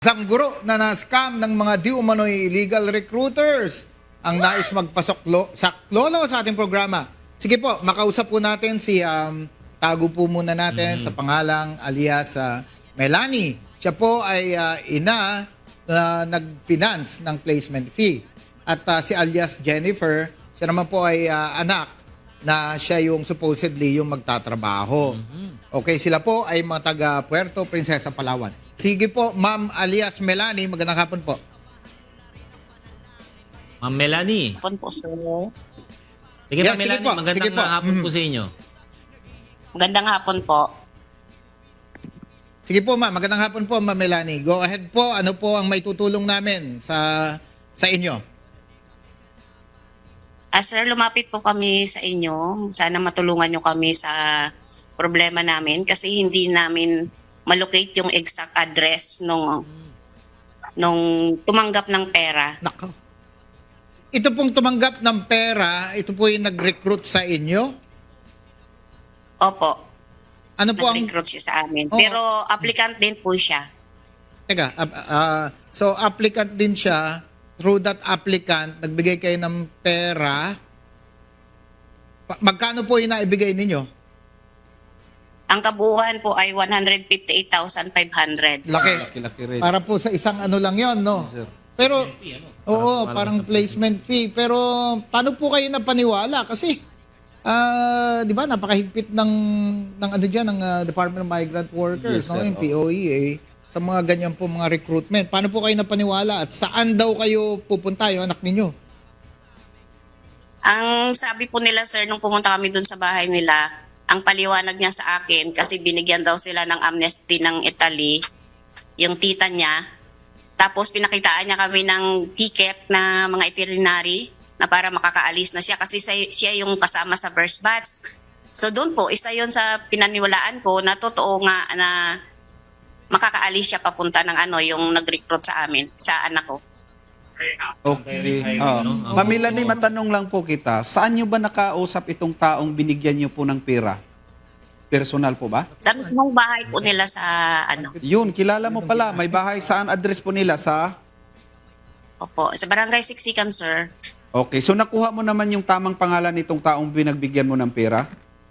Isang guro na na-scam ng mga di umano'y illegal recruiters ang nais magpasok lolo sa ating programa. Sige po, makausap po natin si tago po muna natin sa pangalang alias Melanie. Siya po ay ina na nag-finance ng placement fee. At si alias Jennifer, siya naman po ay anak na siya yung supposedly yung magtatrabaho. Okay, sila po ay mga taga Puerto Princesa, Palawan. Sige po, Ma'am alias Melanie, magandang hapon po. Ma'am Melanie. Hapon po, sir. Sige Yeah, Ma'am sige Melanie, po, magandang sige po. hapon po sa inyo. Magandang hapon po. Sige po, Ma'am, magandang hapon po, Ma'am Melanie. Go ahead po, ano po ang may tutulong namin sa inyo? Sir, lumapit po kami sa inyo. Sana matulungan nyo kami sa problema namin kasi hindi namin malocate yung exact address nung tumanggap ng pera. Nako. Ito pong tumanggap ng pera, ito po yung nag-recruit sa inyo? Opo, Ano po ang... nag-recruit siya sa amin. Oo. Pero applicant din po siya. Teka, so applicant din siya. Through that applicant, nagbigay kayo ng pera. Magkano po yung naibigay ninyo? Ang kabuuan po ay 158,500. Laki. Laki rin. Para po sa isang ano lang yon, no? Sir. Pero, oo, parang Parang placement fee. Pero, paano po kayo napaniwala? Kasi, di ba, napakahigpit ng ano dyan, ng Department of Migrant Workers, Yes, no? sir. Yung POEA, sa mga ganyan po mga recruitment. Paano po kayo napaniwala? At saan daw kayo pupunta, yung anak ninyo? Ang sabi po nila, sir, nung pumunta kami dun sa bahay nila, ang paliwanag niya sa akin, kasi binigyan daw sila ng amnesty ng Italy, yung tita niya. Tapos pinakitaan niya kami ng ticket na mga itinerary na para makakaalis na siya kasi siya yung kasama sa first batch. So doon po, isa yon sa pinaniwalaan ko na totoo nga na makakaalis siya papunta ng yung nag-recruit sa amin, sa anak ko. Okay. no? Ma'am Melanie, matanong lang po kita. Saan nyo ba nakausap itong taong binigyan nyo po ng pera? Personal po ba? Sa mismong bahay po nila sa Yun, kilala mo pala. May bahay. Saan address po nila? Opo, sa Barangay Siksikan, sir. Okay, so nakuha mo naman yung tamang pangalan nitong taong binagbigyan mo ng pera?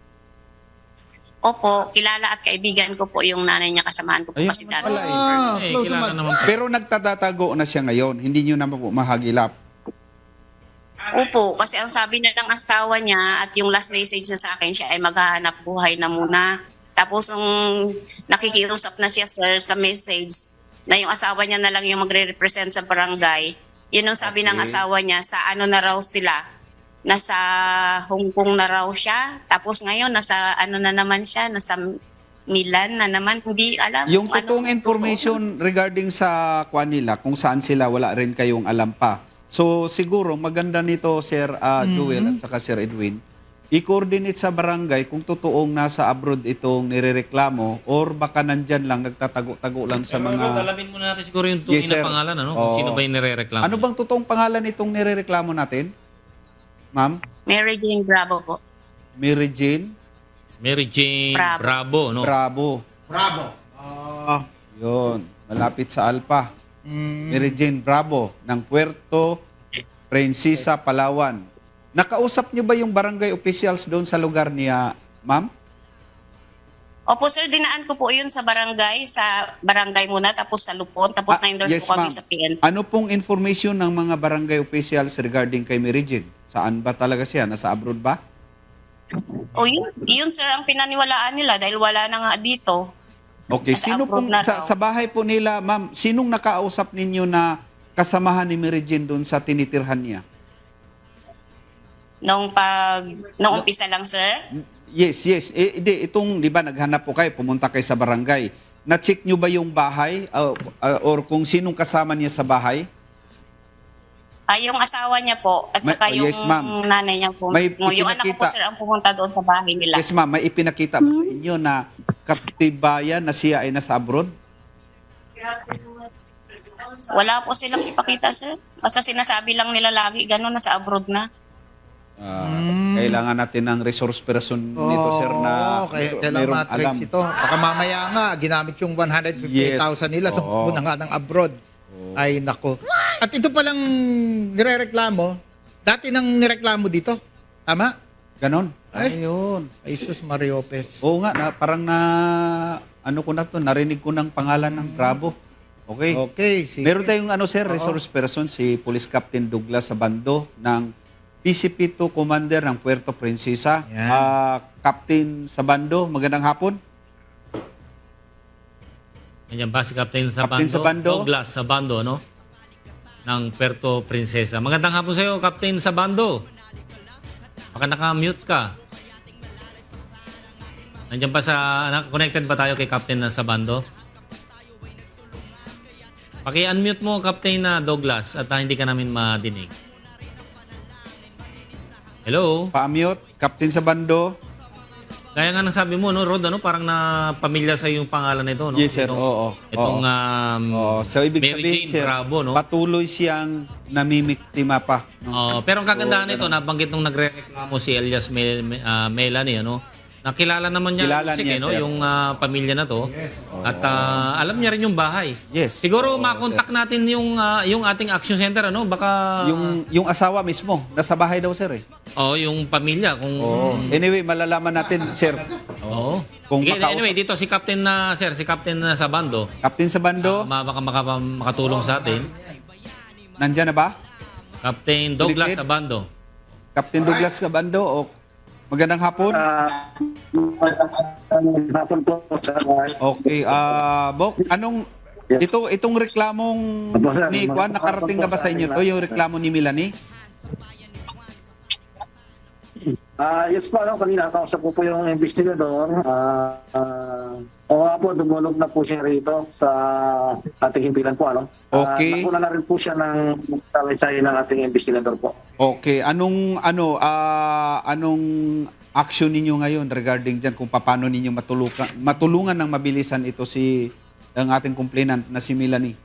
Opo, kilala at kaibigan ko po yung nanay niya, kasamahan ko po Ayun kasi naman dati. pala eh. Close Kilala naman. naman po. Pero nagtatatago na siya ngayon. Hindi nyo naman po mahagilap. Opo, kasi ang sabi na ng asawa niya at yung last message na sa akin, siya ay maghahanap buhay na muna. Tapos nung nakikiusap na siya, sir, sa message, na yung asawa niya na lang yung magre-represent sa barangay, yun ang sabi ng Okay. asawa niya, sa ano na raw sila, nasa Hong Kong na raw siya. Tapos ngayon, nasa ano na naman siya, nasa Milan na naman, hindi alam. Yung kung totoong ano- information regarding sa kwan nila, kung saan sila, wala rin kayong alam pa. So siguro maganda nito Sir Joel at saka Sir Edwin, i-coordinate sa barangay kung totoong nasa abroad itong nirereklamo or baka nandyan lang, nagtatago-tago lang sa Pero mga... alamin muna natin siguro yung Yes, tunay sir. na pangalan, ano? Kung Oo. sino ba yung nirereklamo. Ano bang totoong pangalan itong nirereklamo natin? Ma'am? Mary Jane Bravo po. Mary Jane Mary Jane Bravo. Bravo, no? Bravo. Bravo. Yun, malapit sa Alpa. Mm, Mary Jane Bravo ng Puerto Princesa, Palawan. Nakausap niyo ba yung barangay officials doon sa lugar niya, ma'am? Opo, sir, dinaan ko po yun sa barangay muna, tapos sa Lupon, tapos na-endorse yes, po kami ma'am. sa PN. Ano pong information ng mga barangay officials regarding kay Mary Jane? Saan ba talaga siya? Nasa abroad ba? O yun sir, ang pinaniwalaan nila dahil wala na nga dito. Okay, Nasa sino abroad pong na sa, daw. sa bahay po nila, ma'am, sinong nakausap ninyo na kasamahan ni Mary Jane doon sa tinitirhan niya? Nung umpisa lang, sir. Yes, yes. Itong, di ba, naghanap po kayo, pumunta kayo sa barangay. Na-check nyo ba yung bahay or kung sinong kasama niya sa bahay? Yung asawa niya po, at saka yung yes, ma'am. nanay niya po. May Yung anak ko po, ipinakita. sir, ang pumunta doon sa bahay nila. Yes, ma'am. May ipinakita ba sa inyo na katibayan na siya ay nasa abroad? Wala po silang ipakita, sir. Basta sinasabi lang nila lagi, gano'n, nasa abroad na. Kailangan natin ng resource person nito, sir, na kailangan merong matrix ito. Baka mamaya nga, ginamit yung 158,000 nila, Oo. na nga ng abroad. Ay, nako. At ito palang nirereklamo, dati nang nireklamo dito. Tama? Ganon. Ay. Ayun. Ay, sus Mario Lopez. Oo nga, parang ano ko na to, narinig ko ng pangalan ng Bravo. Okay. Okay, sige. Meron tayong sir, resource person, si Police Captain Douglas Sabando ng PCP2 Commander ng Puerto Princesa. Yan. Captain Sabando, magandang hapon. Ganyan ba si Captain Sabando? Captain Sabando. Douglas Sabando, no? Ng Puerto Princesa. Magandang hapon sa iyo, Captain Sabando. Baka naka-mute ka. Nandiyan ba connected ba tayo kay Captain Sabando? Paki-unmute mo, Captain Douglas, at hindi ka namin madinig. Hello? Pa-mute, Captain Sabando. Kaya nga nasabi mo, no, Rod, parang na pamilya sa yung pangalan nito, no? Yes, sir. Oo. Itong So, ibig Mary sabihin, Jane sir, Bravo, no? patuloy siyang namimiktima pa. No? Pero ang kagandahan nito, nabanggit nung nagre-reklamo si Elias Melanie, ano? Nakilala naman niya, Kilala Sige, niya, no? sir. Yung pamilya na to. At alam niya rin yung bahay. Yes. Siguro Oo, makontak natin yung ating action center, ano? Baka Yung asawa mismo, nasa bahay daw, sir, eh. yung pamilya kung Anyway, malalaman natin, sir. Oo. Kung Sige, makausap- anyway, dito si Captain si Captain Sabando. Captain Sabando, Baka makatulong sa atin. nandyan na ba? Captain Douglas Ulitin. Sabando. Captain Douglas Sabando, magandang hapon. Hapon po sa Okay, Bok, itong reklamong Opo, sir. ni Juan, nakarating na ba sa inyo to, yung reklamo ni Melanie? yes po, kanina kausap ko po yung investigador. Oo nga po, dumulog na po siya rito sa ating himpilan po. Okay. Nakuna na rin po siya ng salaysay ng ating investigador po. Okay, anong action ninyo ngayon regarding dyan kung paano ninyo matulungan ng mabilisan ito ang ating complainant na si Melanie?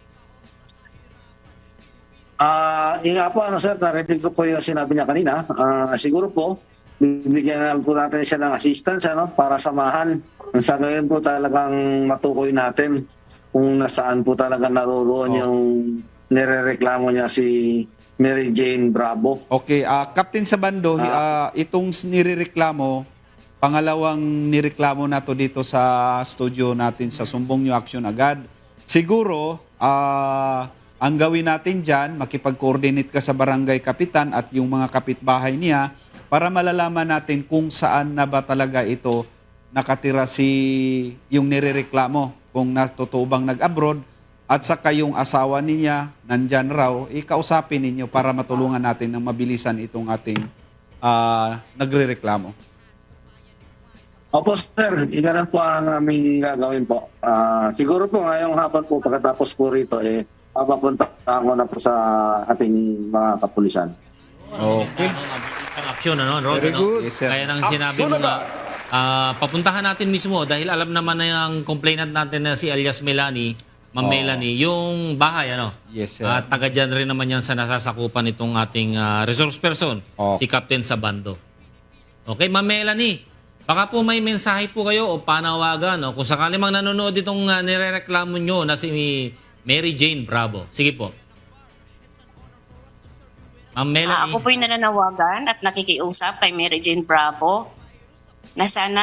Yun nga po, sir, narinig ko po yung sinabi niya kanina. Siguro po, bibigyan na po natin siya ng assistance para samahan. Sa ngayon po talagang matukoy natin kung nasaan po talaga naroroon yung nirereklamo niya si Mary Jane Bravo. Okay, Captain Sabando, itong nirereklamo, pangalawang nireklamo na to dito sa studio natin sa Sumbong New Action agad. Siguro, ang gawin natin dyan, makipag-coordinate ka sa barangay kapitan at yung mga kapitbahay niya para malalaman natin kung saan na ba talaga ito nakatira yung nirereklamo. Kung totoo bang nag-abroad at saka yung asawa niya nandyan raw, ikausapin ninyo para matulungan natin ng mabilisan itong ating nagrereklamo. Opo, sir. Iganan po ang aming gagawin po. Siguro po ngayong hapon po pagkatapos po rito, papapunta ako na po sa ating mga kapulisan. Okay. Ang aksyon, Rod? Very good. Yes, sir. Kaya nang sinabi mo nga, papuntahan natin mismo dahil alam naman na yung complainant natin na si Elias Melanie, Ma'am Melanie, yung bahay, Yes, sir. At taga dyan rin naman yan sa nasasakupan itong ating resource person, Okay. si Captain Sabando. Okay, Ma'am Melanie, baka po may mensahe po kayo o panawagan, kung sakali mang nanonood itong nirereklamo nyo na si Mary Jane Bravo. Sige po. Ma'am Melanie. Ako po yung nananawagan at nakikiusap kay Mary Jane Bravo na sana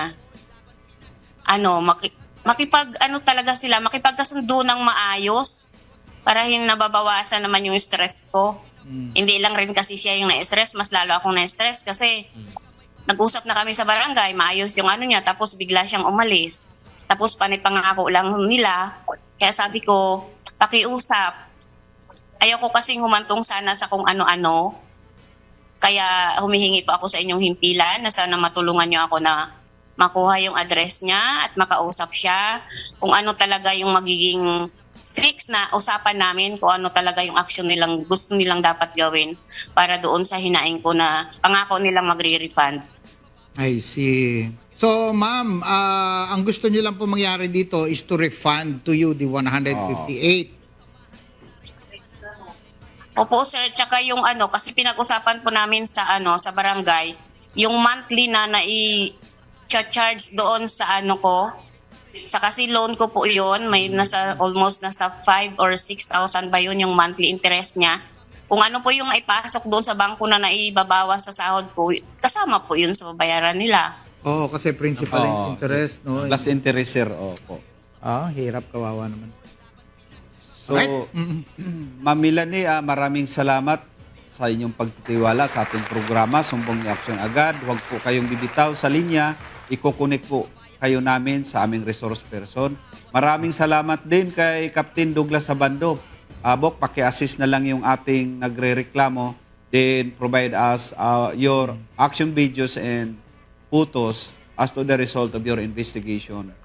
makipagkasundo ng maayos para nababawasan naman yung stress ko. Hindi lang rin kasi siya yung na-stress, mas lalo akong na-stress kasi nag-usap na kami sa barangay, maayos yung niya, tapos bigla siyang umalis. Tapos panipangako lang nila. Kaya sabi ko, pakiusap. Ayoko kasing humantong sana sa kung ano-ano. Kaya humihingi po ako sa inyong himpilan na sana matulungan niyo ako na makuha yung address niya at makausap siya. Kung ano talaga yung magiging fix na usapan namin, kung ano talaga yung action nilang gusto nilang dapat gawin para doon sa hinaing ko na pangako nilang magre-refund. I see. So, ma'am, ang gusto niyo lang po mangyari dito is to refund to you the 158. Opo sir, tsaka yung kasi pinag-usapan po namin sa sa barangay, yung monthly na nai-charge doon sa ko, sa kasi loan ko po yun, may almost nasa 5 or 6,000 ba yun yung monthly interest niya. Kung ano po yung naipasok doon sa bangko na naibabawas sa sahod ko, kasama po yun sa babayaran nila. Oo, kasi principal and Oo. interest, no? Plus interest, sir. Opo. Hirap, kawawa naman. So, Alright. Ma'am Melanie, maraming salamat sa inyong pagtitiwala sa ating programa, Sumbong ni Action Agad. Huwag po kayong bibitaw sa linya. Iko-connect po kayo namin sa aming resource person. Maraming salamat din kay Captain Douglas Sabando. Bok, paki-assist na lang yung ating nagre-reklamo. Then provide us your action videos and photos as to the result of your investigation.